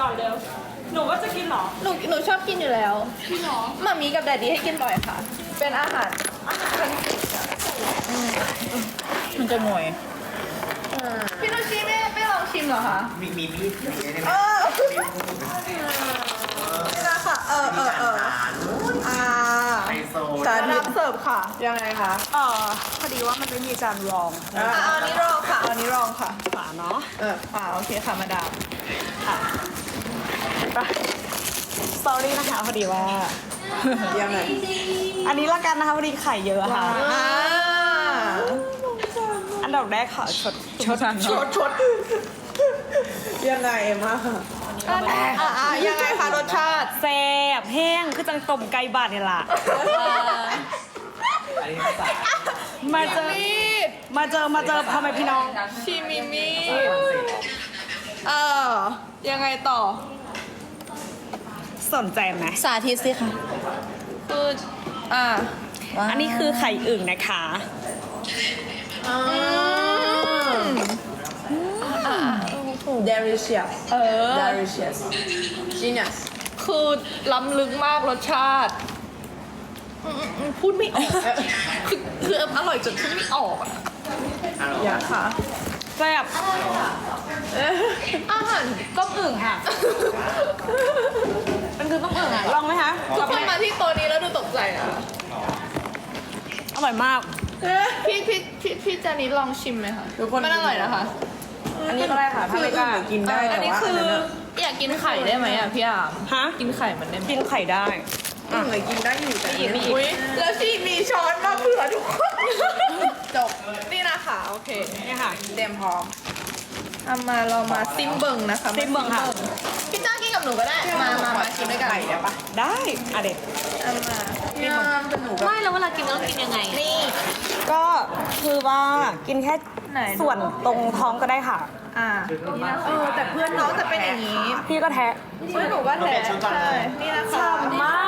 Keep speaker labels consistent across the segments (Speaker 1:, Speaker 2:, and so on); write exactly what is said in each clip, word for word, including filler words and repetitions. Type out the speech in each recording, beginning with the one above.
Speaker 1: อนเร็วหนูว่าจะกินเหรอ
Speaker 2: หนูหนูชอบกินอยู่แล้ว
Speaker 1: กินเหรอ
Speaker 2: มามีกับแดดดี้ให้กินบ่อยค่ะ เป็นอาหารอาหารคันสิมันจะงวยพี่นุชชีไม่ไม่ลองชิมเหรอคะ
Speaker 3: มีมีมีดอย่างเงี้ยได้ไหม
Speaker 2: เออนี่นะค่ะ เออเออเอออ่า
Speaker 3: ไฮโซ
Speaker 2: สาธิตเสิร์ฟค่ะ ยังไงคะ
Speaker 1: เออพอดีว่ามันไม่มีจานรอง
Speaker 2: อ่าเอาอันนี้รองค่ะเอาอันนี้รองค่ะ
Speaker 1: ฝาเนาะ
Speaker 2: เอออ่าโอเคค่ะมาดาม
Speaker 1: ค่ะไปสตอรี่นะคะพอดีว่า
Speaker 2: ยังไง
Speaker 1: อันนี้ละกันนะคะพอดีไข่เยอะค่ะ
Speaker 2: อ่า
Speaker 1: อันดับแรกค่ะชดชด
Speaker 2: ชดชดยังไงมาอ่าอ่ายังไงคะรสชาติ
Speaker 1: แซ่บแห้งคือจังต้มไก่บาดนี่ล่ะ
Speaker 3: อันนี้ภาษา
Speaker 1: มาเจอมาเจอมาเจอพ่อแม่พี่น้อง
Speaker 2: ชิมิมิเออยังไงต่อ
Speaker 1: สนใจไหม
Speaker 2: สาธิตสิค่ะคืออ่า
Speaker 1: อันนี้คือไข่อึ่งนะคะ
Speaker 2: อืม delicious เออ delicious genius คือล้ำลึกมากรสชาติอืมอืมพูดไม่ออกคือคืออร่อยจนพูดไม่ออกอะอยากค่ะ
Speaker 1: แซ่บ
Speaker 2: อาหาร
Speaker 1: ต้มอึ่งค่ะ มันคือต้มอึ่งอ่ะ ลองไหมคะ
Speaker 2: ทุกคนมาที่โต๊ะนี้แล้วดูตกใจนะ
Speaker 1: อร่อยมาก
Speaker 2: พี่พี่พี่พี่จานิดลองชิมไหมคะมันอร่อยนะคะ
Speaker 1: อันนี้ก็ได้ค่ะ ถ้าไม่กล้ากินได้
Speaker 2: อันนี้คืออยากกินไข่ได้ไหมอ่ะพี่อาม
Speaker 1: ฮะ
Speaker 2: กินไข่มันได้ไหม
Speaker 1: กินไข่ได้
Speaker 2: อืมเลยกินได้อยู่แต่อีกมีอีกแล้วชีมีช้อนมาเผื่อทุกคนจบนี่นะคะโอเค
Speaker 1: นี่ค่ะ
Speaker 2: เตรียมพร้อมเอามาเรามาซิมเบิงนะคะ
Speaker 1: ซิมเบิ่งค่ะ
Speaker 2: พี่จ้ากินกับหนูก็ได้มามามากินด้วยกันได้ปะ
Speaker 1: ได้อ่ะเด็ก
Speaker 2: เอามาพี่อามเป็นหนู
Speaker 4: ไม่แล้วเวลากินต้องกินยังไง
Speaker 2: นี่
Speaker 1: ก็คือว่ากินแค่
Speaker 2: ไหน
Speaker 1: ส่วนตรงท้องก็ได้ค่ะ
Speaker 2: อ่าเออแต่เพื่อนน้องจะเป็นอย่างนี้
Speaker 1: พี่ก็แทะ
Speaker 2: เพื่อนหนูก็แท้ใช่นี่นะคะ
Speaker 1: มาก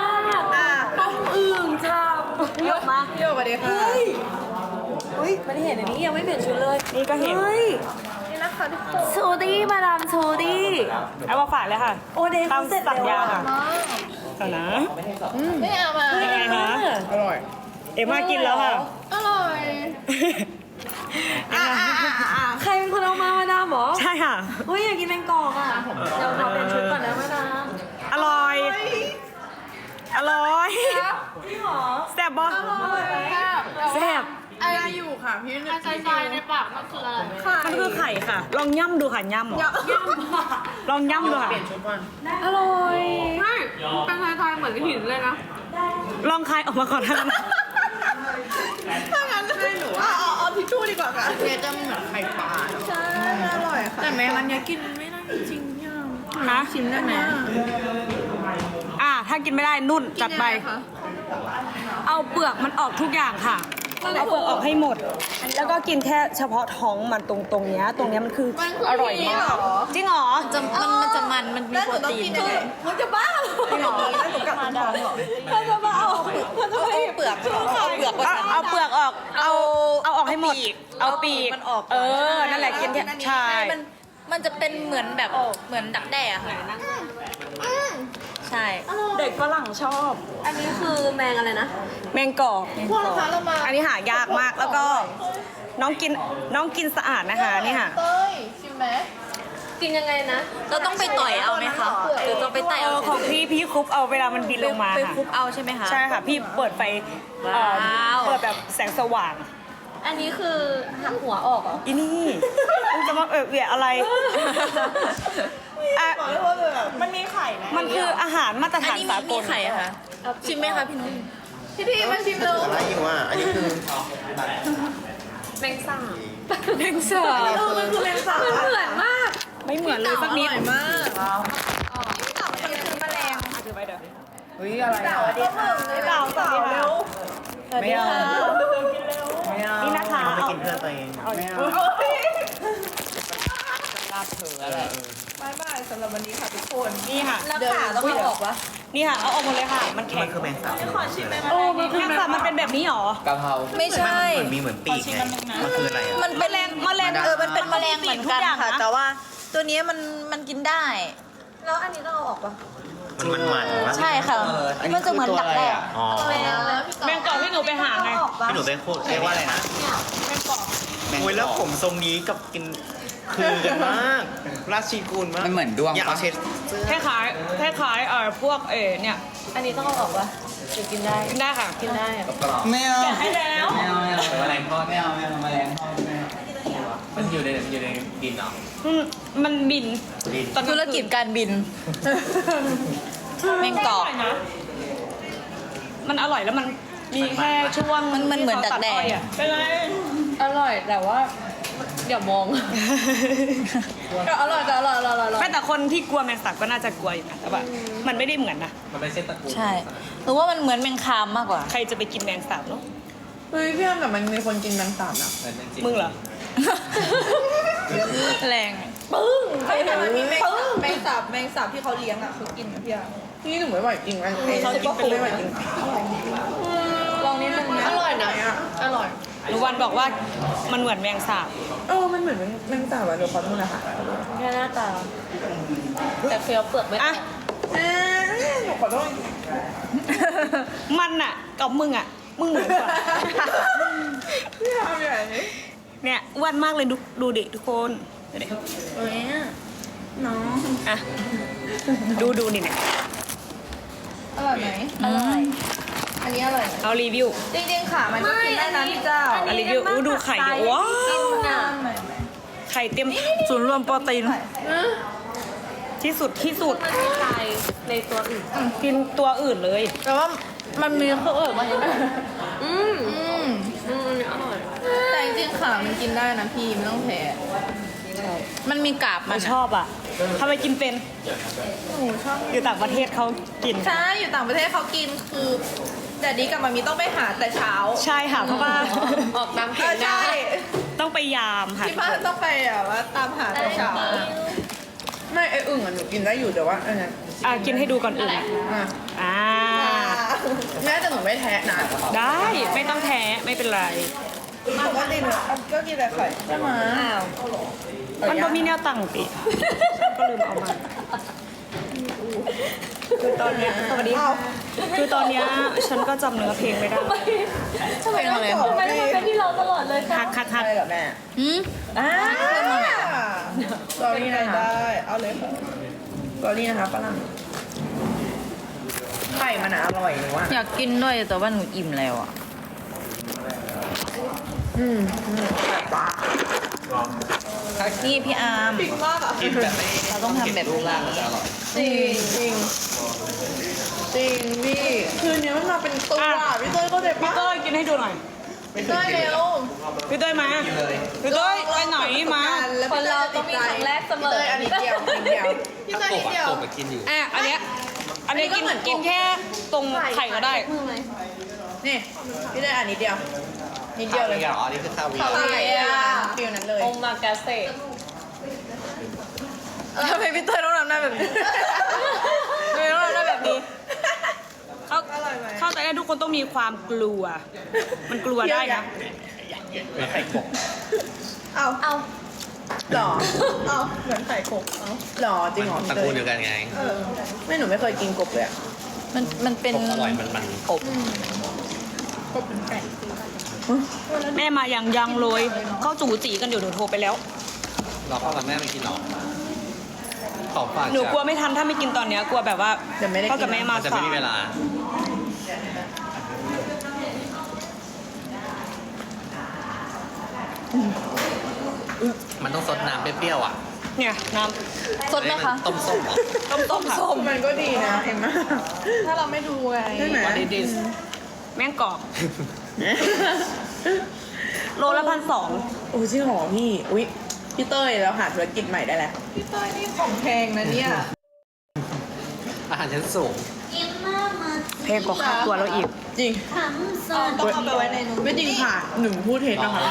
Speaker 2: อ่า
Speaker 1: ต้มอึ่งชาเยอะมา
Speaker 2: โยกมาดีค่ะ
Speaker 4: เฮ้ยมันเห็นอันนี้ยังไม่เปลี่ยนชุดเลย
Speaker 1: นี่ก็เห็น
Speaker 4: เฮ้ย
Speaker 2: นี่นะคะทุกคน
Speaker 4: ชูดี้มาดามชูดี้
Speaker 1: เอามาฝากเลยค่ะ
Speaker 4: โอเดย์
Speaker 1: ตาม
Speaker 4: เสร็จ
Speaker 1: สัญ
Speaker 4: แล้ว
Speaker 1: ญา
Speaker 4: อะ
Speaker 1: ค่ะเอานะ
Speaker 2: ไม่เอามา
Speaker 1: ยังไงคะ
Speaker 2: อร่อย
Speaker 1: เอ็มมากินแล้วค่ะ
Speaker 2: อร่อยอ่าอ่าอ่าอ่า
Speaker 4: ใครเป็นคนเอามามาดามเหรอ
Speaker 1: ใช่ค่ะ
Speaker 4: เฮ้ยอยากกินแมงกอกอ่ะเดี๋ยวเราเปลี่ยนชุดก่อนนะมาดาม
Speaker 1: อร่อย อร่อย
Speaker 4: พี่หรอ
Speaker 1: แซ่บบ่ แซ่บ
Speaker 2: อะไรอยู่ค่ะพี่นึก
Speaker 4: ใจใจในปากมันคืออะไร
Speaker 1: มันคือไข่ค่ะ ลองย่ำดูค่ะย่ำเหรอลองย่ำดูค่ะ
Speaker 4: อร่อยไม่เป็นไทยๆเหมือนหินเลยนะ
Speaker 1: ลองคายออกมาก่อนนะ
Speaker 2: ถ้างั้นให้หนูเอาเอาเอาทิชชู่ดีกว่าค่ะเนี่ยจะเหมือนไข่ปลาใช่อร่อยค่ะแต่แม่มันเนี้ยกินไม่ได้จริงๆย่า
Speaker 1: ฮะ
Speaker 2: ชิมได้ไหม
Speaker 1: อ่า ถ้ากินไม่ได้นุ่นจัดไป เอาเปลือกมันออกทุกอย่างค่ะ เอาเปลือกออกให้หมด แล้วก็กินแค่เฉพาะท้องมันตรงตรงเนี้ยตรงเนี้ยมันคืออร่อยมากจริงเหรอ
Speaker 4: จะมันมันจะมันมันมี
Speaker 2: แล้ว
Speaker 4: โป
Speaker 2: หนู
Speaker 4: ร
Speaker 2: ต้อง
Speaker 4: ตี
Speaker 2: กิ
Speaker 4: น
Speaker 2: นยังไงมันจะบ้าจริงเหรอแล้วหนูกลับมาท้องเหรอ
Speaker 1: เธอจะมาเอาเธอจะมา
Speaker 2: เปลือกเอาเปลือก
Speaker 1: เอาเอาเปลือกออก เอาเอาออกให้หมด เอาปีก
Speaker 2: มันออก
Speaker 1: เออ นั่นแหละกินแค่ใช่
Speaker 4: มันมันจะเป็นเหมือนแบบเหมือนดักแด้อะค่ะใช่
Speaker 1: เด็กฝรั่งชอบ
Speaker 4: อันนี้คือแมงอะไรนะ
Speaker 1: แมงกอก
Speaker 2: พวกนะคะเรามา
Speaker 1: อันนี้หายากมากแล้วก็น้องกินน้องกินสะอาดนะคะนี่ค่ะ
Speaker 2: เต้ยชิมไหม
Speaker 4: กินยังไงนะ เราต้องไปต่อยเอาไหมคะหรือต้องไปไต่
Speaker 1: เอ
Speaker 4: เอา
Speaker 1: อของพี่พี่คลุกเอาเวลามันบินลงมา
Speaker 4: ไป
Speaker 1: ค่ะ
Speaker 4: คลุกเอาใช่ไหมคะ
Speaker 1: ใช่ค่ะ พี่เปิดไฟเอ่อ
Speaker 4: ว้าว
Speaker 1: เปิดแบบแสงสว่าง
Speaker 4: อันนี้คือหักหัวออกเหรอ
Speaker 1: อีนี่มึงจะมาเออเอะอะไรอ่ะ
Speaker 2: มันมีไข่ไหม
Speaker 1: มันคืออาหารมาตร
Speaker 4: อัน
Speaker 1: ฐาน
Speaker 4: นี้
Speaker 1: สา
Speaker 4: มี
Speaker 1: ก
Speaker 4: มี
Speaker 1: ล
Speaker 4: ไข่อะคะชิมไหมคะพี่นุ่น
Speaker 2: พี่พี่มาชิมเลย
Speaker 3: อะไรอยู่อ่ะ อันนี้คือ
Speaker 4: แมงสาบ
Speaker 1: แมงสาบ
Speaker 2: เออมันคือแมงสาบ
Speaker 4: มันเหมือนมาก
Speaker 1: ไม่เหมือนเลยสักนิด
Speaker 2: อร่อยมากพี่เต่ามันคือแมลง
Speaker 1: อ่ะถือไปเด้อ
Speaker 3: เฮ้ยอะไร
Speaker 2: เต่าอันนี้ค่ะ
Speaker 1: เต่าสวัสดีค่ะ
Speaker 3: ไม่เอาไม่เอา
Speaker 1: นี่นะคะ
Speaker 3: มันไม่กินเพื่อนตัวเองไม่เอา
Speaker 1: ลาบเถอ
Speaker 3: เออเออบ
Speaker 2: ายบายสำหรับวันนี้ค่ะทุกคน
Speaker 1: นี่ค่ะ
Speaker 4: แล้วขาต้องเอาออกวะ
Speaker 1: นี่ค่ะ เอาออกหมดเลยค่ะ มันแข็
Speaker 3: มั
Speaker 1: ง
Speaker 3: นคือแมงสาบ
Speaker 1: โอ้มันคือแมงสาบมันเป็นแบบนี้หรอ
Speaker 3: กะเพรา
Speaker 4: ไม่ใช่
Speaker 3: มันมีเหมือนปีกไงมันคืออะไรอ่ะ
Speaker 4: มันเป็นแมลง
Speaker 1: แมลง
Speaker 4: เออมันเป็นแมลงเหมือนกันค่ะ
Speaker 1: ทุกอย่างนะ
Speaker 4: แต่ว่าตัวเนี้ยมันมันกินได้
Speaker 2: แล้
Speaker 4: แล้วอันนี้ต้องเอาออกปะ
Speaker 3: มันมันมันวะ
Speaker 4: ใช่ค่ะ มันจะเหมือนดักแด้
Speaker 3: อ๋อ
Speaker 1: แมงกอกที่หนูไปหาไง
Speaker 4: ออกปะ
Speaker 3: พี่หนูเป็นโคตรเรียกว่าอะไรนะ
Speaker 1: แมงกอก
Speaker 3: โอ้ยแล้วผมทรงนี้กับกินคือกันมาก ราชีกูลมาก
Speaker 5: มันเหมือนดวง
Speaker 3: อยากเอา
Speaker 5: ปะ
Speaker 3: เช็ด
Speaker 1: คล้ายๆคล้ายๆเอ่อพวกเออเนี่ย
Speaker 4: อันนี้ต้องเอาออกปะหรือกินได้
Speaker 1: กินได้ค่ะ
Speaker 4: กินได้
Speaker 5: ไม่เอา
Speaker 1: แกะให้แล้ว
Speaker 5: ไม่เอาไม่เอาแมลงทอดไม่เอาไม่เอาแมลงทอดไม่เอามันอยู่ในอยู่ในดินเหรอ
Speaker 1: อืมมันบินตอน
Speaker 4: ธุรกิจการบิน แมงกอก
Speaker 1: นะมันอร่อยแล้วมันมีแค่ช่วง
Speaker 4: มันมันเหมือนดักแด้
Speaker 1: ที่เขาตัอ้อยอะเป็นไร
Speaker 2: อร่อยแต่ว่าอย่ามองก็อร่อยแต่อร่อยอร่อยอร่อย
Speaker 1: ไม่แต่คนที่กลัวแมงสาบก็น่าจะกลัวอยู่นะแต่ว่ามันไม่ได้เหมือนนะ
Speaker 5: มันเป็นเส้นตระกูล
Speaker 4: ใช่หรือว่ามันเหมือนแมงคามมากกว่า
Speaker 1: ใครจะไปกินแมงสาบเนาะ
Speaker 2: เฮ้ยพี่อ้ำแต่มันมีคนกินแมงสาบนะ
Speaker 5: เหมือนจริง
Speaker 1: มึงเหรอ
Speaker 4: แรง
Speaker 2: ปึ้ง
Speaker 6: เฮ้ยแต่มันมีแมงสาบแมงสาบแมงสาบที่เขาเลี้ยงอ่ะเขากินนะพี่อะ
Speaker 2: นี่หนูไม่ไหวจริงไอ้ไอ้
Speaker 1: เขากินเป็น
Speaker 2: ไม่ไหวจริง
Speaker 6: ลองนิดนึงนะ
Speaker 2: อร่อยนะอร่อย
Speaker 1: หนูวันบอกว่ามันเหมือนแมงสาบ
Speaker 2: เออมันเหมือนแมงสาบอะเดี๋ยวขอโทษนะคะ
Speaker 4: แค่หน้าตา แต่เคี้ยวเปลือกไม่
Speaker 1: อ่ะ
Speaker 2: เอ้ยหนูขอโทษ
Speaker 1: มันอะกับมึงอะมึงเหมือนกว่า
Speaker 2: พี่ทำอย่างนี้
Speaker 1: เนี่ยอ้วนมากเลยดูดูดิทุกคนดูดิ
Speaker 2: เอ้ยน้อง
Speaker 1: อ่ะดูดูนี่เนี่ย
Speaker 6: อร่อยไหม
Speaker 4: อร่อย
Speaker 6: อันนี้อร่อยไหม
Speaker 1: เอารีวิว
Speaker 6: จริงๆค่ะมันก็กินได้นะพี่เจ้า
Speaker 1: เอารีวิวอู้ดูไข่เดี๋ยวว้าวไข่เต็มศูนย์รวมโปรตีนที่สุดที่สุด
Speaker 4: มันมีไข่ในตัวอื่น
Speaker 1: กินตัวอื่นเลย
Speaker 2: แต่ว่ามันมีเครื่องเออมัน
Speaker 6: อืมอืมอร่อยแต่จริงๆค่ะมันกินได้นะพี่ไม่ต้องแพ้
Speaker 4: มันมีกาบ
Speaker 1: มั
Speaker 4: มัน น
Speaker 1: ชอบอ่ะทำไมกินเป็น
Speaker 6: หนูชอบ
Speaker 1: อยู่ต่างประเทศเขากิน
Speaker 6: ใช่อยู่ต่างประเทศเขากินคือแต่ดีกับมามีต้องไปหาแต่เช้า
Speaker 1: ใช่ค่ะเพราะว่า
Speaker 6: ออกตามเห็นได้
Speaker 1: ต้องไปยามค่ะ
Speaker 6: ที่บ้านต้องไปแบบว่าตามหาแต่เช้า
Speaker 2: ไม่ไอ้อึ่งอะหนูกินได้อยู่แต่ว่าอันนั้น
Speaker 1: อ่ะกินให้ดูก่อนอื่นอ่ะ
Speaker 2: อ่ะ
Speaker 1: อ่า
Speaker 2: แม่แต่หนูไม่แท้นะ
Speaker 1: ได้ไม่ต้องแท้ไม่เป็นไร
Speaker 6: ปกติหนูก็กินแต่ไข่
Speaker 2: ใช่ไหม
Speaker 1: มันก็มีแนวตั้งปีก็ลืมเอามาคือตอนเนี้ยสวัสดีค่ะคือตอนเนี้ยฉันก็จำเนื้อเพลงไม่ได้
Speaker 4: ทำไมต้อง
Speaker 2: อะไร
Speaker 4: ทำไมต้องเป็นที่เราตลอดเลย
Speaker 1: คักคักคัก
Speaker 2: อะไรเหรอแม่
Speaker 4: หืม
Speaker 2: อ่าสอรี่นะคะได้เอาเลยค่ะสอรี่นะคะฝรั่งไข่มันอะอร่อยหนูว่า
Speaker 4: อยากกินด้วยแต่ว่าหนูอิ่มแล้วอ่ะ
Speaker 2: อืมอืมปลา
Speaker 4: นี่พี่อาร์ม
Speaker 6: ปิดมากอ่ะ
Speaker 5: กินแบบไม่
Speaker 4: เราต้องทำแบบนี้
Speaker 5: จะอร่อย
Speaker 2: จริงจริงจริงพี่คืนนี้มันมาเป็นตัวอะพี่เต้ยก็เด็ด
Speaker 1: พี่
Speaker 2: ปะ
Speaker 1: เต้ยกินให้ดูหน่อย
Speaker 2: พี่เต้ยเร็ว
Speaker 1: พี่เต้ยมาพี่เต้ยไปไหนมา
Speaker 6: คนเราต้องมีครั้งแรกเสม
Speaker 2: พี่
Speaker 6: อ
Speaker 2: เต้ยอันนี้เดียวอันนี้เดียว
Speaker 6: พี่เต้ยนิดเดียว
Speaker 5: กบอะกินอยู่
Speaker 1: อ่ะอันเนี้ยอันเนี้ยกินกินแค่ตรงไข่ก็ได้
Speaker 2: นี่พี่เต้ยอันนี้เดียวนิดเดียวเลย
Speaker 5: อ๋อนี่คือคาเวีย
Speaker 6: คา
Speaker 5: ร์
Speaker 6: เวียร์
Speaker 2: ฟิลนั้นเลย
Speaker 4: องมากาเซ่
Speaker 2: ทำไมพี่เต้ยต้องทำหน้าแบบนี้ทำไมต้องทำหน้าแบบนี้
Speaker 1: เขาเข้าใจได้ทุกคนต้องมีความกลัว มันกลัวได้นะ
Speaker 5: แล้วไข่กบ
Speaker 6: เอา
Speaker 4: เอา
Speaker 2: หรอ
Speaker 6: เอาเหมือนไข่กบเอา
Speaker 2: หรอจริงเหรอ
Speaker 5: ตระกูลเดียวกันไง
Speaker 6: เออ
Speaker 2: ไม่หนูไม่เคยกินกบเลยอะ
Speaker 4: มันมันเป็น
Speaker 5: กบอร่อยมันมัน
Speaker 4: กบ
Speaker 1: แม่มาอย่างยังเลยเขาจูจีกันอยู่หนูโทรไปแล้ว
Speaker 5: เราพ่อกับแม่ไม่กินหรอขอฝาก
Speaker 1: หนูกลัวไม่ทันถ้าไม่กินตอนเนี้ยกลัวแบบว่า
Speaker 2: เดี๋ยวไม่ได้
Speaker 1: พ่อ
Speaker 2: กิ
Speaker 1: กับ
Speaker 2: น
Speaker 1: แม่มา
Speaker 5: มันจะ
Speaker 1: สา
Speaker 5: ไม่มีเวย ลา มันต้องซดน้ำเปรี้ยวๆอ่ะ
Speaker 1: เนี่ยน้
Speaker 4: สดไหมคะ
Speaker 5: ต้มส้มเหรอ
Speaker 1: ำต้มต้มค่ะ
Speaker 2: มันก็ดีนะเอ็มม่า
Speaker 6: ถ้าเราไม่ดูไง
Speaker 2: ใช่ไหม
Speaker 5: What is this
Speaker 1: แม่งกรอบโลละพันสอง
Speaker 2: โอ้จริงเหรอพี่อุ้ยพี่เต้ยเราหาธุรกิจใหม่ได้แล้ว
Speaker 6: พี่เต้ยนี่ของแพงนะเนี่ย
Speaker 5: อาหารชั้นสูง
Speaker 1: แพงกว่าค่าตัวเราอีก
Speaker 2: จริง
Speaker 6: เอาต้องเอาไปไว้ในนู้น
Speaker 2: ไม่จริงค่ะหนึ่งพูดเท็จนะคะ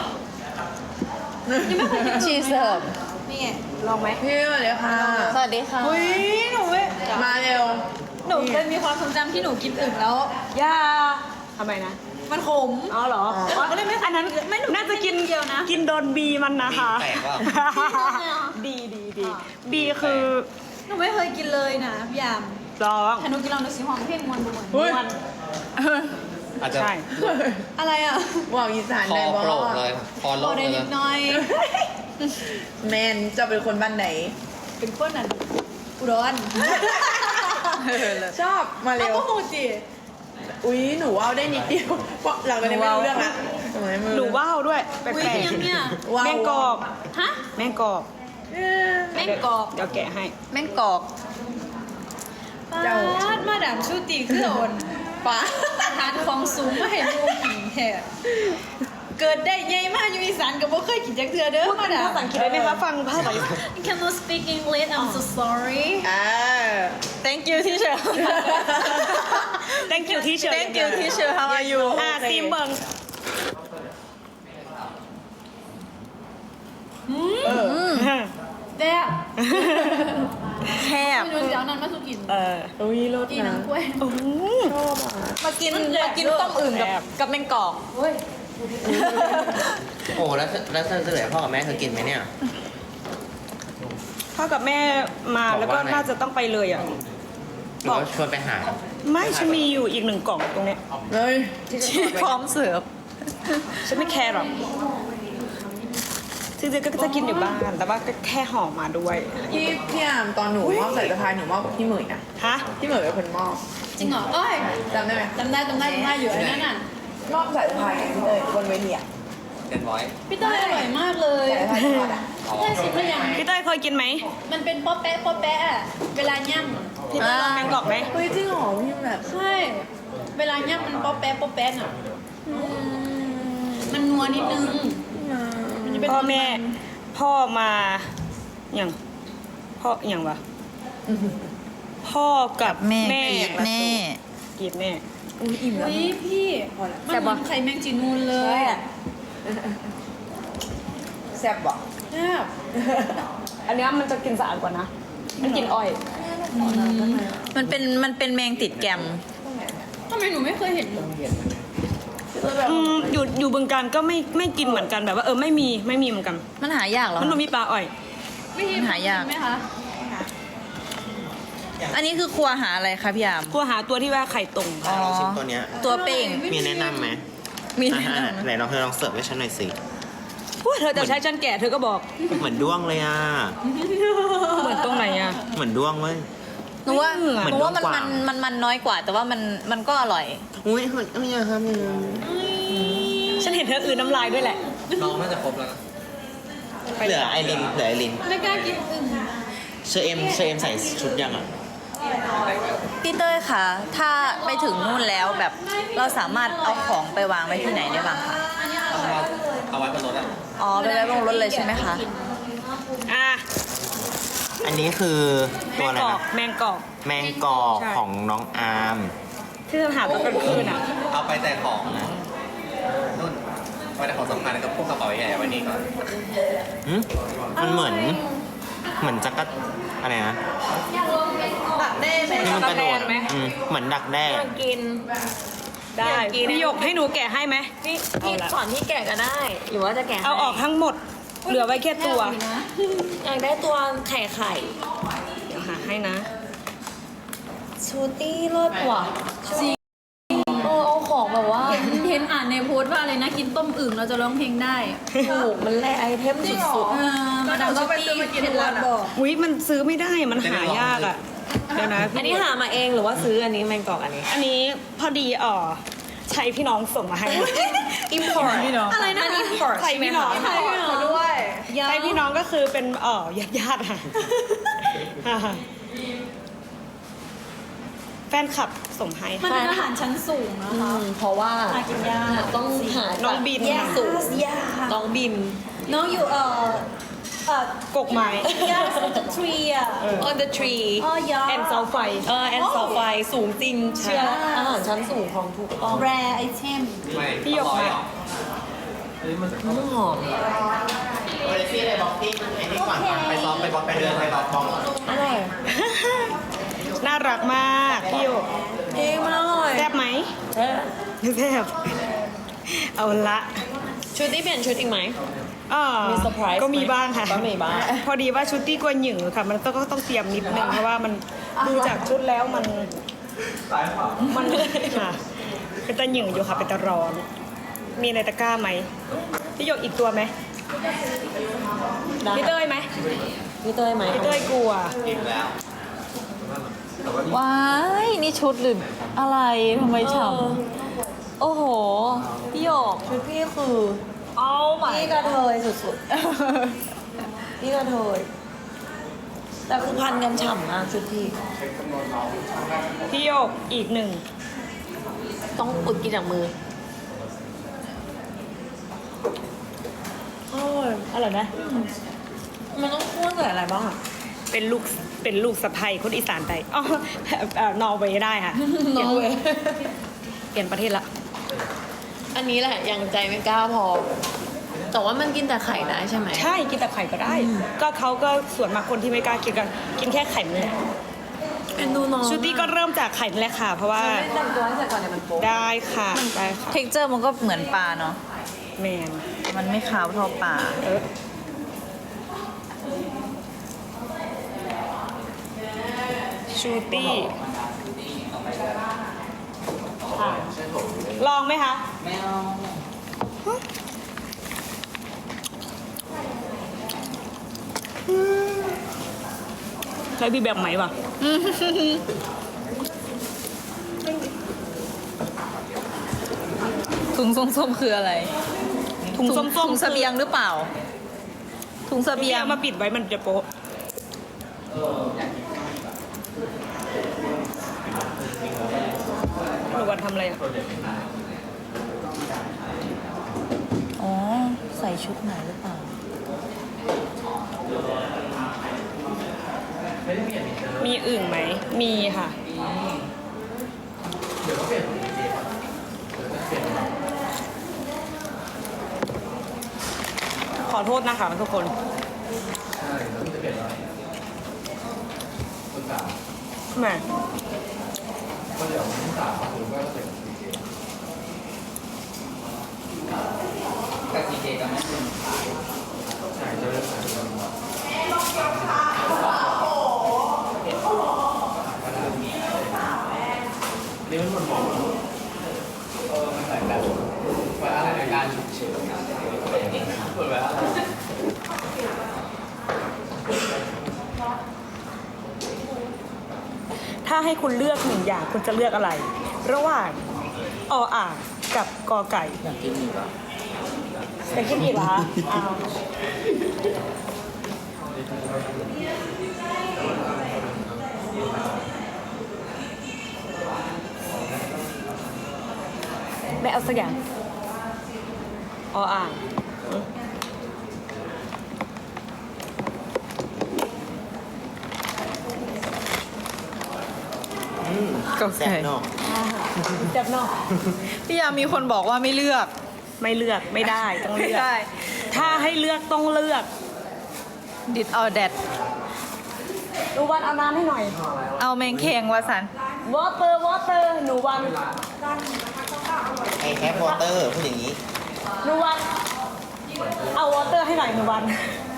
Speaker 2: พี่
Speaker 4: ชีเสิร์ฟ
Speaker 6: นี่ไง
Speaker 1: ลองไหม
Speaker 2: พี่สวัสดีค่ะ
Speaker 4: สวัสดีค่ะ
Speaker 2: อุ้ยหนูไม่มาเร็ว
Speaker 6: หนูเคยมีความทรงจำที่หนูกินอึ่งแล้ว
Speaker 1: ย่าทำไมนะ
Speaker 6: มันขม
Speaker 1: อ๋อเหรออ๋อก็เลยไม่อันนั้นไม่น่าจะกินเดียวนะ กินโดนบีมันนะคะ
Speaker 5: บีแตกเปล่า
Speaker 1: ดีดีดีบีคือ
Speaker 6: หนูไม่เคยกิน
Speaker 4: เลยนะพี่ยาม
Speaker 1: ร้อง
Speaker 4: ถ้าหนูกินลองดูสิห้องเพลงมวนบ่มวน
Speaker 6: เฮ้ย
Speaker 3: อาจจะ
Speaker 1: ใช่
Speaker 4: อะไรอ่ะ
Speaker 6: ว่าวอีสาน
Speaker 5: คอ
Speaker 6: ได้บ่
Speaker 5: โปรกเลยคอโล
Speaker 4: บอก
Speaker 5: ก
Speaker 4: ได้
Speaker 5: เล
Speaker 4: นิ
Speaker 5: ย
Speaker 4: ดหน่อย
Speaker 6: แมนจะเป็นคนบ้านไหน
Speaker 4: เป็นคนนั้นอุดร
Speaker 6: ชอบมา
Speaker 4: เอา
Speaker 6: เร็ว
Speaker 4: ก็หูจิ
Speaker 6: อุ้ยหนูว่าวได้นิดเดียวเพราะเราก็ได้ไม่รู้เรื่องละ
Speaker 1: หนูว่าวด้วยแปล
Speaker 4: อุ้ย
Speaker 1: ก
Speaker 4: ยังเนี่ย
Speaker 6: ว้าว
Speaker 1: ๆแมงกอก
Speaker 4: ฮะ
Speaker 1: แมงกอก
Speaker 4: แม่งกอก
Speaker 1: เดี๋ยวแกะให้
Speaker 6: แม่งกอก เจ้า
Speaker 4: ปาดมาดามชูตีคือโอน
Speaker 6: ป้า
Speaker 4: ทานของสูงมาเห็นลูกกินแท้เกิดได้ใหญ่มากอยู่อีสานก็บ่เคยกินจักเทื่อเด้อมาดาม
Speaker 1: ภาษาอังกฤษได้ไหมคะ ฟังภาษา
Speaker 4: Can you speak English I'm so sorry
Speaker 6: อ่า
Speaker 2: thank you teacher
Speaker 1: thank you teacher
Speaker 2: thank you teacher how are you
Speaker 1: อ่าซีมเบิง
Speaker 4: แซ่บ
Speaker 2: แคบ
Speaker 4: ไม่รู้จะเอานั้นมาสุกิน
Speaker 1: เออ
Speaker 6: อุ้ยรถ
Speaker 4: กิน
Speaker 6: นะ
Speaker 4: น้ำกล้วย
Speaker 1: โอ้โห
Speaker 2: มากินมากินต้มอื่นกับกับแมงกอก
Speaker 4: เฮ้ย
Speaker 5: โอ้แล้วแล้วเธอเหลือพ่อกับแม่เธอกินไหมเนี่ย
Speaker 1: พ่อกับแม่มาแล้วก็
Speaker 5: บอกว่าไง
Speaker 1: น่าจะต้องไปเลยอ่ะ
Speaker 5: หรือว่าชวนไปหา
Speaker 1: ไม่ฉันมีอยู่อีกหนึ่งกล่องตรงเนี้ย
Speaker 6: เฮ้ย
Speaker 2: พร้อมเสิร์ฟ
Speaker 1: ฉันไม่แคร์หรอกจริงๆก็จะกินอยู่บ้าน แต่ว่าก็แค่ห่อมาด้วย
Speaker 6: พี่พี่อามตอนหนูมอบใส่สะพายหนูมอบกับพี่เหมยนะ
Speaker 1: ฮะ
Speaker 6: พี่เหมยเป็นคนมอบ
Speaker 4: จริงเหรอเอ้ย
Speaker 6: จำได้ไหม
Speaker 4: จำได้จำได้จำได้อยู่ไอ้นั่นน่ะ
Speaker 6: มอบใส่สะพายพี่เลยบนเวทีอะ
Speaker 5: เต็นไว้
Speaker 4: พี่เต้ยอร่อยมากเลย
Speaker 6: ใส่สะพายทอดอะ
Speaker 4: แค่ชิมหรือยัง
Speaker 1: พี่เต้ยเคยกินไหม
Speaker 4: มันเป็นป๊อปแป๊ะป๊อปแป๊ะอะเวลาย่
Speaker 1: พี่เต้ยลองแมงกอกไหม
Speaker 6: เฮ้ยจริงเหรอพี่แบบ
Speaker 4: ำใช่ เวลาย่ำมันป๊อปแป๊ะป๊อปแป๊ะอ่ะมันนัวนิดนึงมันจะเป็น
Speaker 1: พ่อแม่ พ่อมาอย่างพ่ออย่างวะพ่อกับ
Speaker 2: แม่
Speaker 1: แม่
Speaker 2: กรีดแน่
Speaker 1: กรีดแน่
Speaker 6: อุ้ยอิ่มแล้ว
Speaker 4: เฮ้ยพี่มันเหมือนไข่แมงจีนูนเลยอะ
Speaker 6: แซ่บบ่
Speaker 4: แซ่บ
Speaker 1: อันเนี้ยมันจะกินสะอาดกว่านะ มันกินอ้อย
Speaker 2: มันเป็นมันเป็นแมงติดแกม
Speaker 4: ทำไมหนูไม่เคยเห็น
Speaker 1: อืมอยู่อยู่บึงการก็ไม่ไม่กินเหมือนกันแบบว่าเออไม่มีไม่มีเหมือนกัน
Speaker 2: มันหายากเหรอ
Speaker 1: มันต้องมีปลาอ้อย
Speaker 4: ไม่เห็น
Speaker 2: หายาก
Speaker 4: ไหมคะ
Speaker 2: อันนี้คือครัวหาอะไรคะพี่ยาม
Speaker 1: กลัวหาตัวที่ว่าไข่ตรง
Speaker 2: อ๋อ
Speaker 5: ลองชิมตัวเนี้ย
Speaker 2: ตัวเป้ง
Speaker 5: มีแนะนำไหม
Speaker 2: มี
Speaker 5: อ่า
Speaker 2: แนะ
Speaker 5: ฮะ
Speaker 2: นำ
Speaker 5: ไหนลองเธอลองเสิร์ฟให้ฉันหน่อยสิ
Speaker 1: พูดเธอจะใช้ฉันแก่เธอก็บอก
Speaker 5: เหมือนด้วงเลยอ่ะ
Speaker 1: เหมือนตรงไหนอ่ะ
Speaker 5: เหมือนด้วงเว้ย
Speaker 2: หนูว่า
Speaker 1: เหมือน
Speaker 2: หนูว่ามัน
Speaker 5: ด้วงก
Speaker 2: มั
Speaker 5: ว่าง
Speaker 2: นมันมันน้อยกว่า แต่ว่ามันมันก็อร่อย
Speaker 5: อุ้ยเฮ้ยเอ้ยอย่าทำอย่างนั้น
Speaker 1: ฉันเห็นเธออื่นน้ำลายด้วยแหละ
Speaker 5: น้องน่าจะครบแล้วนะเหลือไอรินเหลือไอริน
Speaker 4: ไม่กล้ากินอึ่ง
Speaker 5: เชอเอ็มเชอเอ็มใส่ชุดยังอ่ะ
Speaker 2: พี่เต้ยคะถ้าไปถึงนู่นแล้วแบบเราสามารถเอาของไปวางไว้ที่ไหนได้บ้างคะ
Speaker 5: เอาไว้บนรถอ่ะ
Speaker 2: อ๋อไปไว้บนรถเลยใช่ไหมคะ
Speaker 1: อ่ะ
Speaker 5: อันนี้คือ
Speaker 1: แม
Speaker 5: ตัว
Speaker 1: ง
Speaker 5: อะไร
Speaker 1: กอก
Speaker 5: นะ
Speaker 1: แมงกอก
Speaker 5: แมงกอก
Speaker 1: ใช่
Speaker 5: ของน้องอาร์ม
Speaker 1: ที่จะหาตอนกลางคืนอ่ะ
Speaker 5: เอาไปแต่ของนะนุ่นไปแต่ของสำคัญก็พวกกระเป๋าใหญ่ๆไว้นี่ก่อนมันเหมือน เหมือนจักรอะไรนะ
Speaker 6: ตัดแน่ไหม
Speaker 5: ที่มันกระโดด
Speaker 1: ดักแด้ไหม
Speaker 5: อืมเหมือนดักแด้
Speaker 2: กิน
Speaker 1: ได้พี่หยกให้หนูแกะให้ไหม
Speaker 2: พี่
Speaker 1: เอาละ
Speaker 2: สอนพี่แกะก็ได้ หรือว่าจะแกะ
Speaker 1: เอาออกทั้งหมด เหลือไว้แค่ตัว
Speaker 2: อยากได้ตัวไข่ไข่
Speaker 1: เดี๋ยวหาให้นะ
Speaker 2: ชูตี้รสว่ะจริงเออเอาของแบบว่า
Speaker 4: เห็นอ่านในโพสต์ว่าอะไรนะกินต้มอึ่งเราจะร้องเพลงได้
Speaker 2: ถูกมันแลไอเทมสุด
Speaker 4: เออมาดาม
Speaker 6: เรา
Speaker 4: ส
Speaker 6: ไป
Speaker 4: ตี้
Speaker 6: ซื้อมากิน
Speaker 4: เคล็ด
Speaker 6: ทุก
Speaker 4: ลั
Speaker 6: วั
Speaker 4: บ
Speaker 6: นอะ
Speaker 4: บอก
Speaker 1: อุ้ยมันซื้อไม่ได้ มันหายากอ่ะ เดี๋ยวนะ
Speaker 2: ๆ อันนี้หามาเองหรือว่าซื้ออันนี้แมงกอกอันนี้
Speaker 1: อันนี้พอดีอ๋อใช้พี่น้องส่งมาให้
Speaker 2: อิมพอร์ต
Speaker 1: พี่น้อง
Speaker 4: อะไรนะ
Speaker 2: อิมพอร์ต
Speaker 1: ใช้พี่น้อง
Speaker 6: ขอด้วย
Speaker 1: ใช้พี่น้องก็คือเป็นเอ๋อญาติญาติๆค่ะ แฟนคลับส่งให้
Speaker 4: มันเป็นอาหารชั้นสูงนะคะ
Speaker 2: เพราะว่า
Speaker 4: หากินยาก
Speaker 2: ต้องหา
Speaker 1: น้องบิน
Speaker 2: แยก
Speaker 1: ค่ะ
Speaker 2: สูตรน้องบิน
Speaker 4: น้องอยู่เอ่อเอ่อก
Speaker 1: กไม้
Speaker 4: yes the tree อ่ะ
Speaker 2: on the tree
Speaker 4: อ๋อยา
Speaker 1: แอนเสาไฟ
Speaker 2: เออแอนเสาไฟสูงจริงเชื่ออาหารชั้นสูงของถูกต้อง
Speaker 4: rare item
Speaker 1: พี่หยกมา
Speaker 2: หอม
Speaker 5: เฮ้ยพี่เลยบอกพี่ไอ้นี่ก่อนไปซ้อมไปบอลไปเดินไปบอลบอล
Speaker 2: อร่อย
Speaker 1: น่ารักมากพี่หยก
Speaker 2: เองมันอร่อย
Speaker 1: แซ่บไหมแซ่บเอาละ
Speaker 2: ชุดที่เปลี่ยนชุดอีกไหม
Speaker 1: อ่า
Speaker 2: มีเซอร์ไพรส์
Speaker 1: ก็มีบ้างค่ะ
Speaker 2: ก็มีบ้าง
Speaker 1: พอดีว่าชุดตี้กวนหยึงค่ะ มันต้องก็ต้องเตรียมนิดนึงเพราะว่ามันดูจากชุดแล้วมัน มันค่ะเป็นตะหยิ่งอยู่ค่ะเป็นตะร้อน มีในตะกร้าไหมพี่หยกอีกตัวไหมพี่เต้ยไหม
Speaker 7: พี่เต้ยไหม
Speaker 1: พี่เต้ยกลัว
Speaker 5: กินแล้ว
Speaker 6: ว้ายนี่ชุดหรืออะไรทำไมฉ่ำโอ้โห พี่หยกชุดพี่คือ
Speaker 1: เอาใหม่
Speaker 7: พี่กระเทยสุดๆ พี่กระเทยแต่คือพันกันฉ่ำมากชุดพี่
Speaker 1: พี่หยกอีกหนึ่ง
Speaker 7: ต้องอุดกินจากมืออร่อย
Speaker 1: อร่อยไหม
Speaker 7: มันต้องคั่วใส่อะไรบ้างอ่ะ
Speaker 1: เป็นลูกเป็นลูกสะใภ้คนอีสานไปอ๋อเอ่อนอร์เวย์ได้ค่ะ
Speaker 7: นอร์เวย์
Speaker 1: เปลี่ยนประเทศละ
Speaker 7: อันนี้แหละยังใจไม่กล้าพอ แต่ว่ามันกินแต่ไข่ได้ใช่ไหม
Speaker 1: ใช่กินแต่ไข่ก็ได้ ก็เขาก็ส่วนมากคนที่ไม่กล้ากินกันกินแค่ไข่นี่แหละ
Speaker 7: เป็นดูน้อง
Speaker 1: ชุดนี้ก็เริ่มจากไข่นี่แหละค่ะ เพราะว่า
Speaker 7: ไม่แต่งตัวให้เสร็จก่อนเนี่ยมันโป๊ะ
Speaker 1: ได้ค่ะได้ค่ะ
Speaker 6: เท็กเจอร์มันก็เหมือนปลาเนาะ
Speaker 1: แมน
Speaker 6: มันไม่ขาวเท่าปลา
Speaker 1: เออชูตี้ค่ะลองไหมคะ
Speaker 5: ไม่เอา
Speaker 1: ใช้พี่แบบไหมวะ
Speaker 6: ถุงส้มๆคืออะไร
Speaker 1: ถุงส้มๆ
Speaker 6: ถุงเสบียงหรือเปล่า ถุงเสบี
Speaker 1: เบี
Speaker 6: ย
Speaker 1: ย
Speaker 6: ง
Speaker 1: มาปิดไว้มันจะโป๊ะหนูวันทำอะไรอ่ะ
Speaker 6: อ๋อ ใส่ชุดไหนหรือเปล่า
Speaker 1: มีอึ่งไหม มีค่ะ ขอโทษนะคะทุกคน แหม่
Speaker 5: กับดีเจกับแม่เป็น นี่มันหมดหมดเออมันแต่แบบว่าอะไรในการฉุกเฉินเปิดไว้อะไร
Speaker 1: ถ้าให้คุณเลือกหนึ่งอย่างคุณจะเลือกอะไร ระหว่างออ่างกับกอไก่
Speaker 5: อยากกินอีกอ่ะ
Speaker 1: เป็นขึ้นอีกเหรอคะอ้าวไม่เอาสักอย่างออ่าง
Speaker 6: ก็ใส่
Speaker 5: แซ่บเนาะ
Speaker 1: เจ็บเนอก
Speaker 6: พี่ยามีคนบอกว่าไม่เลือก
Speaker 1: ไม่เลือกไม่ได้ต้องเลือก
Speaker 6: ไม่ได้
Speaker 1: ถ้าให้เลือกต้องเลือก
Speaker 6: ดิดเอาแดด
Speaker 1: หนูวันเอาน้ำให้หน่อย
Speaker 6: เอาแมงแคงวาสัน
Speaker 1: วอเตอร์วอเตอร์หนูวัน
Speaker 5: ไอ้แคปวอเตอร์พูดอย่างนี้
Speaker 1: หนูวันเอาวอเตอร์ให้หน่อยหนูวัน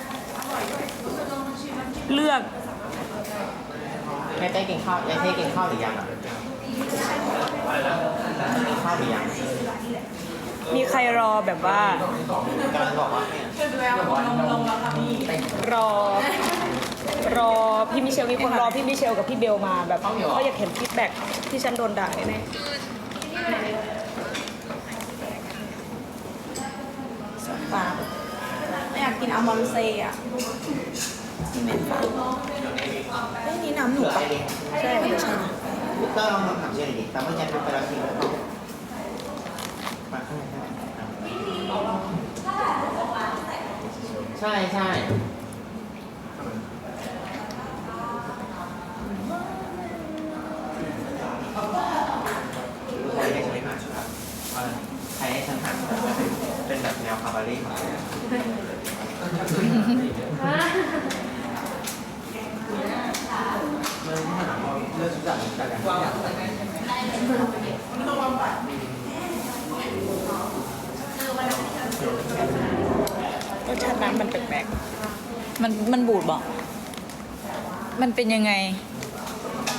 Speaker 1: เลือก
Speaker 5: แม่เต้กินข้าวแม่เต้กินข้าวหรือยังอ่ะกินข้าวหรือยัง
Speaker 1: มีใครรอแบบว่า
Speaker 5: กำลังบอกว่าเนี่ย
Speaker 1: รอ รอพี่มิเชลมีคนรอพี่มิเชลกับพี่เบลมาแบบเขาอยากเห็นฟีดแบ็กที่ฉันโดนด่าแน่ๆ
Speaker 4: ปลาอยากกินอัลมอนเซ่อะซีเมนต์ปลาเรื่องนี้น้ำหนูปะใช่ไม่ใช่นะ
Speaker 5: เตอร์ลองถามเชื่อหน่อยดิแต่เมื่อกี้เป็นไปแล้วจริงหรือเปล่ามาข้างในได้ใช่ใช่ใครให้ฉันหาใครให้ฉันหาเป็นแบบแนวคาบาเร่เลือกชุดจากจากการ
Speaker 1: รสชาติน้ำมันแปลก
Speaker 6: มันมันบูดบอก มันเป็นยังไง
Speaker 1: ๆ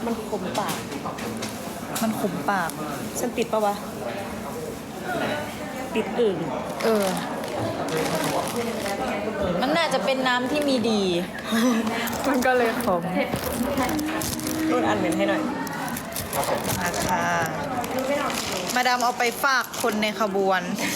Speaker 1: มันขมปาก
Speaker 6: มันขมปาก
Speaker 1: ฉันติดปะวะ ติดอื่น
Speaker 6: เออ มันน่าจะเป็นน้ำที่มีดี มันก็เลยขม
Speaker 1: รุ่นอันเหม็นให้หน่อย
Speaker 6: นะคะมาดามเอาไปฝากคนในขบวน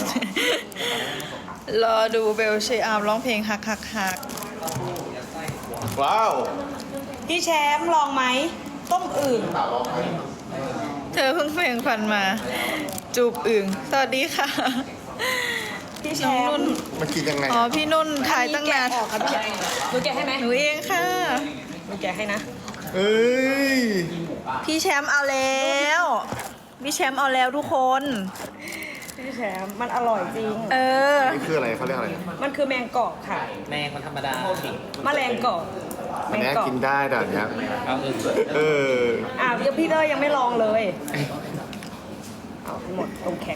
Speaker 6: รอดูเบลเชยอาร์มร้องเพลงฮักฮักฮัก
Speaker 5: ว้าว
Speaker 1: พี่แชมป์ลองไหม ต้มอื่น
Speaker 6: เธอเพิ่งเพลงฟันมา จูบอึ่งสวัสดีค่ะ
Speaker 1: พี่แช
Speaker 6: น้อง
Speaker 1: ม
Speaker 6: นุ่น
Speaker 1: ป์
Speaker 5: มันกินยังไง
Speaker 6: อ๋อ พี่นุ่นถ่ายตั้งนาน
Speaker 1: อัแกะออกครับพี่หนูแกะให้ไหม
Speaker 6: หนูเองค่ะ
Speaker 1: หนูแกะให้นะ
Speaker 5: เอ้ย
Speaker 6: พี่แชมป์เอาแล้ว พี่แชมป์เอาแล้วทุกคน
Speaker 1: พี่แชมป์มันอร่อยจริง
Speaker 6: เออ
Speaker 5: นี่คืออะไรเขาเรียกอะไร
Speaker 1: มันคือแมงกอกค่ะ
Speaker 3: แมงมันธรรมดา
Speaker 1: แมลงกอกแม
Speaker 5: อัน
Speaker 1: ง
Speaker 5: เนี้ย
Speaker 1: กอก
Speaker 5: กินได้แต่อันเนี้ยเออ
Speaker 1: อ่ะยังพี่เตอร์ยังไม่ลองเลย เอาให้หมดตรงแข็ง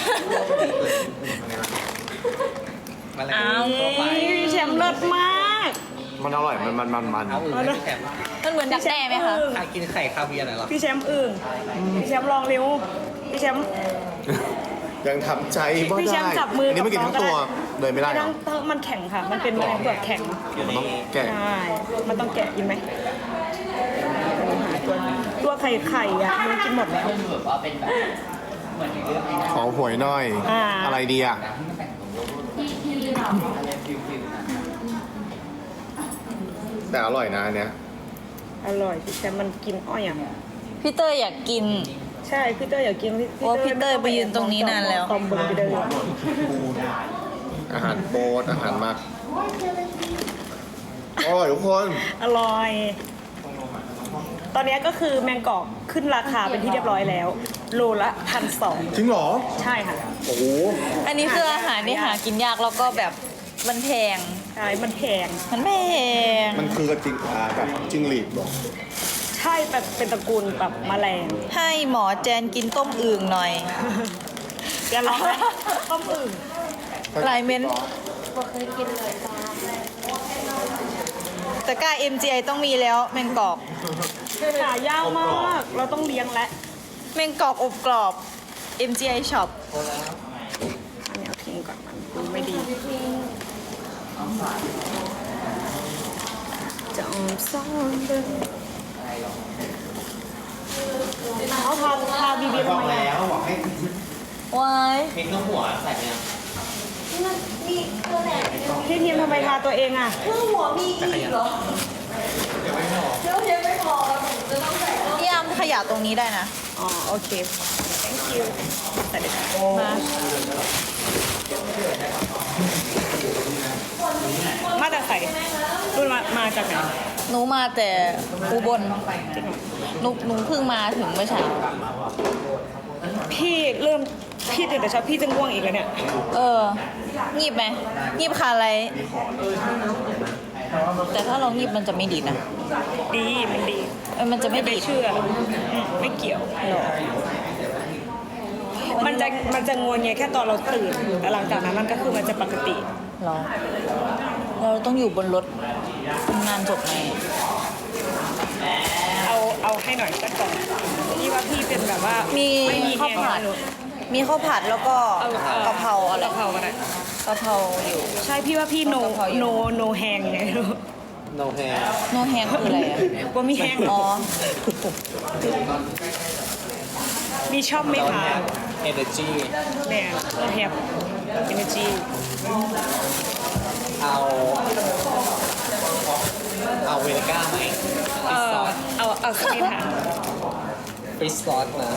Speaker 3: มาแล้ว
Speaker 6: อ้าว
Speaker 1: พี่แชมป์เลิศมาก
Speaker 5: มันอร่อย มันมันมันมัน
Speaker 3: เอาอื่นให้พี่แชมป์
Speaker 6: มันเหมือนดักแด้ไหมคะ
Speaker 1: อึ่ง
Speaker 3: ใครกินไข่คาเวียร์หน่อยเหรอ
Speaker 1: พี่แชมป์อึ่งพี่แชมป์ลองเร็วพี่แชมป์
Speaker 5: ยังทำใจบ่
Speaker 1: พี่แช
Speaker 5: ได้
Speaker 1: มป์จับมือ
Speaker 5: อันนี้ไม่กินทั้งตัวเลยไม่ได้เหร
Speaker 1: ทั้
Speaker 5: อง
Speaker 1: ทั้งมันแข็งค่ะ มันเป็นแมลงเปลือกแข็ง
Speaker 5: มันต้องแกะ
Speaker 1: ใช่ มันต้องแกะกินไหมตัวตัวไข่ไข่อะมันกินหมดแล้ว
Speaker 5: ขอหวยหน่อย
Speaker 1: อ่า
Speaker 5: อะไรดีอ่ะ แต่อร่อยนะอันเนี้ย
Speaker 1: อร่อยพี่แชมป์มันกินอ้อยอ่ะ
Speaker 6: พี่เตอร์อยากกิน
Speaker 1: ใช่พี่เตอร์อยากกินพี่
Speaker 6: โอ้พี่เตอร์ไปยืนตรงนี้นานแล้ว
Speaker 1: ตอมเบอร์ไปเดิน
Speaker 5: อาหารโปรดอาหารมากอร่อยทุกคน
Speaker 1: อร่อย ตอนนี้ก็คือแมงกอกขึ้นราคาเป็นที่เรียบร้อยแล้ว โลละพันสอง
Speaker 5: จริงเหรอ
Speaker 1: ใช่ค่ะ
Speaker 5: โอ้โห
Speaker 6: อันนี้คืออาหารที่หากินยากแล้วก็แบบมันแพง
Speaker 1: ใช่ มันแพง
Speaker 6: มันแพง
Speaker 5: มันคือกระจิงอ่าแบบจิงหรีดเหรอ
Speaker 1: ใช่แบบเป็นตระกูลแบบแมลง
Speaker 6: ให้หมอแจนกินต้มอึ่งหน่อย
Speaker 1: จะลองไหมต้มอึ่ง
Speaker 6: ลายเม้นแต่กล้า เอ็ม จี ไอ ต้องมีแล้วแมงกอก
Speaker 1: หายากมาก เราต้องเลี้ยงและ
Speaker 6: แมงกอกอบกรอบ เอ็ม จี ไอ Shop
Speaker 1: อันนี้เอาทิ้งก่อนมันดูไม่ดีจะอมซ่อนเดินเขาทาทาบีบีทำไมอะ
Speaker 6: ว้าย
Speaker 3: พริกน้ำหัวใส่เนี่ย
Speaker 1: พี่ทีมทำไมทาตัวเองอ่ะ
Speaker 6: พี่ยามขยะตรงนี้ได้นะ
Speaker 1: อ๋อ โอเค thank you แต่เดี๋ยว
Speaker 6: มา
Speaker 1: มาจากใส่รุ่นมามาจากไหน
Speaker 6: หนูมาแต่อุบลหนูหนูเพิ่งมาถึงเมื่อเช้า
Speaker 1: พี่เริ่มพี่ตื่นแต่เช้าพี่จะง่วงอีกแล้วเนี่ย
Speaker 6: เออ งีบไหมงีบคาอะไร แต่ถ้าเรางีบมันจะไม่ดีดนะ
Speaker 1: ดีมันดี
Speaker 6: เออมันจะไม่
Speaker 1: ไม่
Speaker 6: ดีด
Speaker 1: เชื่ออืมไม่เกี่ยว
Speaker 6: หรอ
Speaker 1: มันจะมันจะงวงเงียแค่ตอนเราตื่น แต่หลังจากนั้นมันก็คือมันจะปกติ
Speaker 6: หรอ เราต้องอยู่บนรถทำงานจบไหม
Speaker 1: เอาเอาให้หน่อยสักกล่องพี่ว่าพี่เป็นแบบว่า
Speaker 6: มี
Speaker 1: ไม่มี
Speaker 6: ข้าว
Speaker 1: แฮง
Speaker 6: ผัด
Speaker 1: ไม่รู้
Speaker 6: มีข้าวผัดแล้วก็
Speaker 1: เอาเอา
Speaker 6: กะเพราอะไร
Speaker 1: กะเพราก็ได้
Speaker 6: กะเพราอยู่
Speaker 1: ใช่พี่ว่าพี่โน
Speaker 6: กะเพราอยู่
Speaker 1: โนโนแฮงไงไม่รู้
Speaker 3: โนแฮ
Speaker 6: โนแฮงคืออะไรอ่ะ
Speaker 1: ว่ามีแฮง
Speaker 6: อ๋อ
Speaker 1: มีชอบไหมคะ
Speaker 3: เอเนจี
Speaker 1: เนี่ยเราแฮปเอเนจี
Speaker 3: เอา เอาเวนิก้าไหม
Speaker 1: เออเอาเอาสักนิดค่ะ
Speaker 3: ฟิสซอสนะ